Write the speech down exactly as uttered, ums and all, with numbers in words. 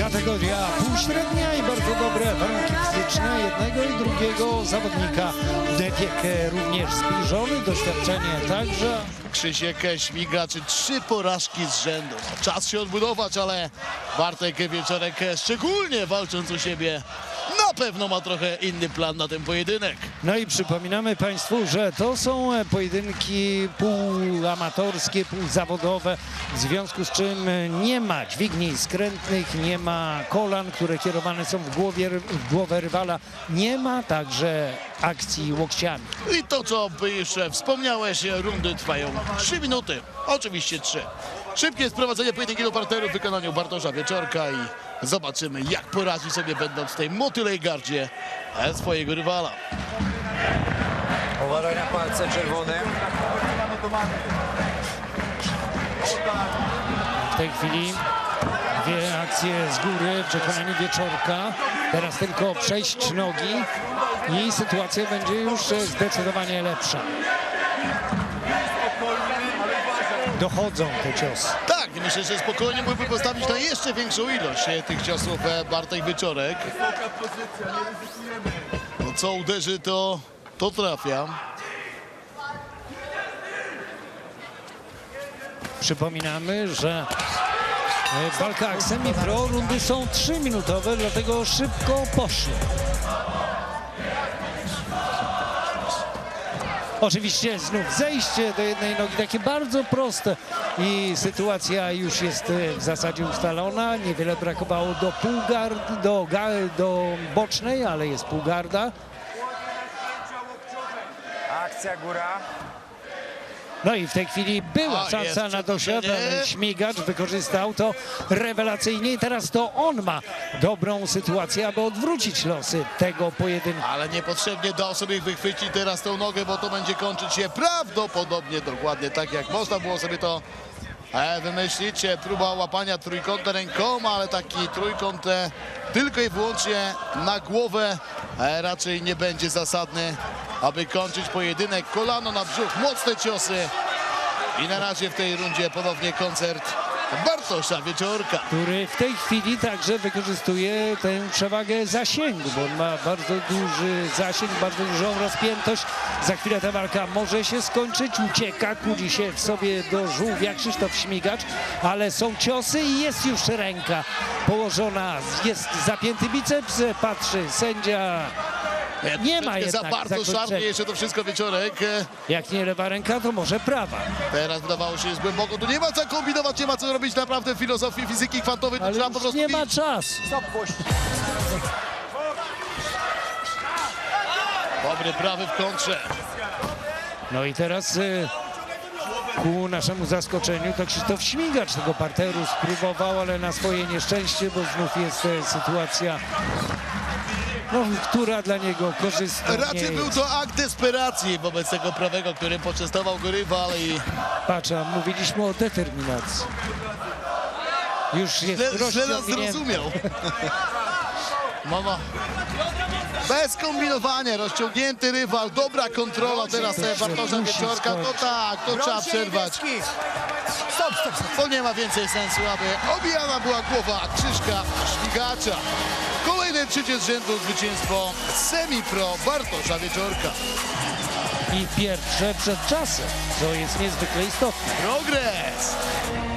Kategoria półśrednia i bardzo dobre warunki fizyczne jednego i drugiego zawodnika. Wiek również zbliżony, doświadczenie także. Krzysiek Śmigacz, trzy porażki z rzędu. Czas się odbudować, ale Bartek Wieczorek, szczególnie walcząc u siebie, na pewno ma trochę inny plan na ten pojedynek. No i przypominamy Państwu, że to są pojedynki półamatorskie, półzawodowe, w związku z czym nie ma dźwigni skrętnych, nie ma kolan, które kierowane są w, głowie, w głowę rywala, nie ma także akcji łokciami. I to, co już wspomniałeś, rundy trwają trzy minuty, oczywiście trzy. Szybkie sprowadzenie pojedynku do parteru w wykonaniu Bartosza Wieczorka i zobaczymy, jak poradzi sobie, będąc w tej motylej gardzie swojego rywala. Uważaj na palce czerwone. W tej chwili dwie akcje z góry w przekonaniu Wieczorka. Teraz tylko przejść nogi i sytuacja będzie już zdecydowanie lepsza. Dochodzą te ciosy. Tak, myślę, że spokojnie mógłby postawić na jeszcze większą ilość tych ciosów Bartek Wieczorek. No co uderzy, to, to trafia. Przypominamy, że w walkach semi-pro rundy są trzyminutowe, dlatego szybko poszły. Oczywiście znów zejście do jednej nogi, takie bardzo proste i sytuacja już jest w zasadzie ustalona. Niewiele brakowało do półgard, do, do bocznej, ale jest półgarda. Akcja góra. No i w tej chwili była O, szansa jest na dosiadanie. przepuszczenie. Śmigacz wykorzystał to rewelacyjnie i teraz to on ma dobrą sytuację, aby odwrócić losy tego pojedynku. Ale niepotrzebnie dał sobie wychwycić teraz tą nogę, bo to będzie kończyć się prawdopodobnie dokładnie tak, jak można było sobie to e, wymyślić. Próba łapania trójkąta rękoma, ale taki trójkąt e, tylko i wyłącznie na głowę e, raczej nie będzie zasadny, aby kończyć pojedynek. Kolano na brzuch, mocne ciosy i na razie w tej rundzie ponownie koncert Bartosza Wieczorka. Który w tej chwili także wykorzystuje tę przewagę zasięgu, bo on ma bardzo duży zasięg, bardzo dużą rozpiętość. Za chwilę ta walka może się skończyć, ucieka, kłudzi się w sobie do żółwia Krzysztof Śmigacz, ale są ciosy i jest już ręka położona, jest zapięty biceps, patrzy sędzia. Nie ma Za jednak bardzo szarpnie zakończenia. jeszcze to wszystko Wieczorek. Jak nie lewa ręka, to może prawa. Teraz wydawało się, jest głęboko. Tu nie ma co kombinować, nie ma co robić naprawdę w filozofii fizyki kwantowej. Tu Ale trzeba już po prostu nie ma iść. czasu. Dobry prawy w kontrze. No i teraz y, ku naszemu zaskoczeniu to Krzysztof Śmigacz tego parteru spróbował, ale na swoje nieszczęście, bo znów jest e, sytuacja, no, która dla niego korzystna nie Raczej był jest. to akt desperacji wobec tego prawego, którym poczęstował go rywal i Patrz, a mówiliśmy o determinacji. Już jest źle, źle nas rozciągnięty. zrozumiał. Mama. Bez kombinowania, rozciągnięty rywal, dobra kontrola teraz To się Bartosza musi Wieczorka. To skończyć. tak, to trzeba przerwać. Stop, stop, stop. To nie ma więcej sensu, aby obijana była głowa Krzyśka Śmigacza. Kolejne trzecie z rzędu zwycięstwo semi-pro Bartosza Wieczorka. I pierwsze przed czasem, co jest niezwykle istotne. Progres!